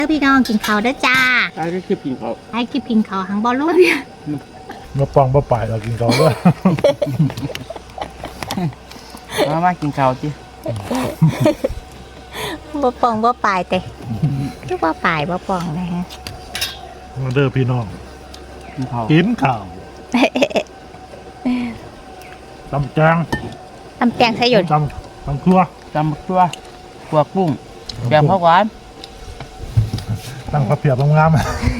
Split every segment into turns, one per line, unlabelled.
พี่น้องกินข้าวด้วยจ้า
ใช่คลิปกินเขา
ให้คลิปกินข้าวหังบอลลูนเนี่ย
มาปองมาป่ายเรากินเขาด้วย
มากินเขาจี
บ่ปองบ่ปลายแต่ทุกว่าปลายบ่ปองนะฮะ
มาเด้อพี่น้อง
กินเขา
ตำแจง
ใส่หยด
ตำครัว
พวกปุ้งแบบข้าวหวาน
ตั้งกระเพียบงามๆ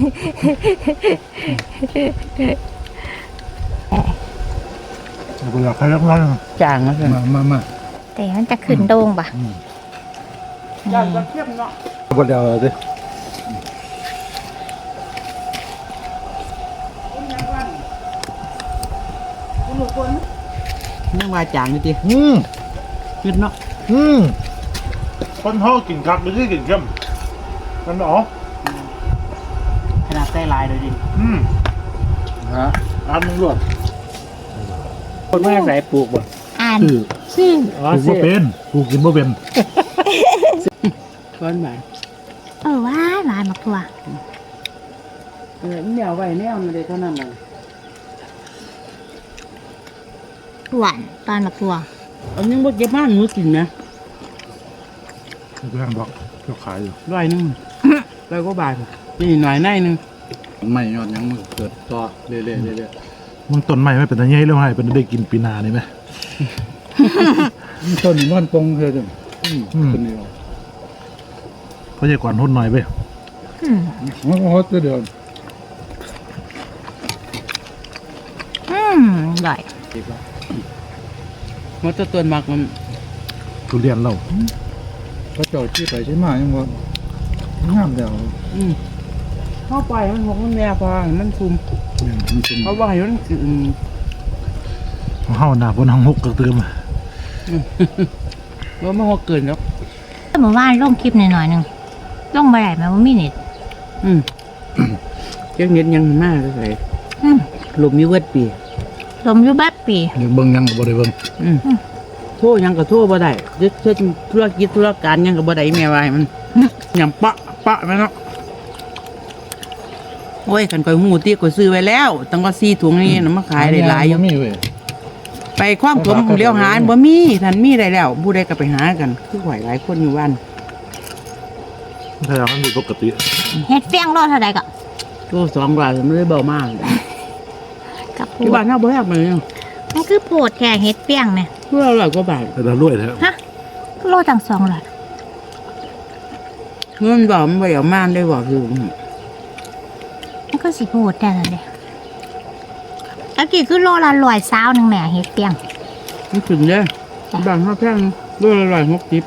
เราอยากให้เล็กน้อย
จางนะเพื่อน
มา
แต่มันจะขึ้นโด่งป่ะ
จางจะเทียมเนาะ
กดเดียวสิ
ยังมาจางอยู่จีขึ้นเนาะ
คนห่อกินคักไม่ใช่กินเข้มมันอ๋อ
ขนาดใส่ลายเลยดิ
ฮะอ่านมึงรวด
คนไม่ใส่ปลูกบ่
อ่าน
ชื่อปลูกบ่เป็นปลูกกินบ่เป็น
ก้อนใหม่
ว้ายหวานมากทั่ว
เหนียวไว้แนวมันเลยเท่านั้นเลย
หวานตอนมากทั่ว
อันนี้ว่าเก็บบ้านหนูกินนะ
แพงดอกก็ขายอยู่
100 นึง100 กว่าบาทนี่หน่อยในนึง
ไม่ยอดยังมือเกิดต่อเรื่อย
มึงต้นใหม่ไม่เป็นตะไงเรื่องให้เป็นได้กินปีนานี่ไหม
ต้นมันปงเธอจังคนเดียว
เพราะใหญ่กว่าหุ่นหน่อยไป
ฮอตเดียว
ใหญ่
มันจะตัวหมักมัน
ทุเรียนเรา
เขาเจาะที่ไปใช่ไหมยังว่างามเดียว
เข้าไปมันหกมันแนวพอมันซุ่มเขาว่าอยู่นั่นคือ
เฮาหน้าบนห้องหกกระเติม
ว่ามันหกเกินแล้ว
แต่เมื่อวานลงคลิปหน่อยนึงลงไปไหนมาว่ามีเน็ต
เจ้าเน็ตยังมากเลยลมมีเวทปี
ลมอยู่แบบปี
เดี๋ยวเบิ่งยังก็บ่ได้เบิ่ง
โทษยังก็โทษบ่ได้เช่นธุรกิจธุรการยังก็บ่ได้แม่วายมันยังปะไหมเนาะโอ้ยกันก้อยหมูตีก้อยซื้อไว้แล้วตั้งว่า4 ถุงนี่นะมาขายได้หลายอยู่ไปคว้างผมเลี้ยวหาบ่มีท่านมีได้แล้วผู้ใดก็ไปหากันคือหอยหลายคนอยู่บ้าน
ถ้าอย่างนั้นมีปกติ
เฮ็ดเฟี้ยงรอดเท่าใดก็
โล2 บาทมันเลยเบามาก
กับ
ที่บ้านเฮาบ่แฮกเลย
มันคือโพดแค่เฮ็ดเฟี้ยงเนี่ย
เพื่อ100 กว่าบาท
แต่รวยแท้
ฮะโลตั้ง200
เงินบ่มันบ่เอามาได้บ่คือ
มันก็สิโพดแต่นั่นเด้ตะกี้คือโลละ120นึงแม่เฮ็ดเฟี้ยง
มันถึงเด้บ้านเฮาแพงโลละ160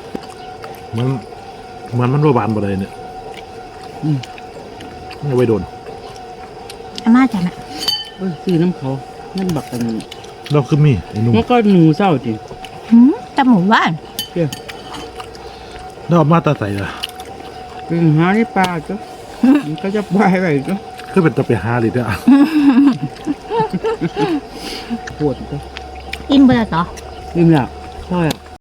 มันบ่บานบ่ได้เนี่ยเอาไว้โดน
อาม่าจ้ะนะ
ซื้อน้ำเขานั่นบักกัน
เราคือมีไอ้นุ่ม
มันก็หนูเศร้าจริง
แต่หมู่บ้าน
เราเอามาตาใส่ละ
เป็นหาในป่าจ้ะมันก็จะไปไปจ้ะ
คือเป็นตะไปหาเลยเด้อ
ปวดจ้ะ
อิ่มเบื่อเหรอ
อิ่มแล้วใช่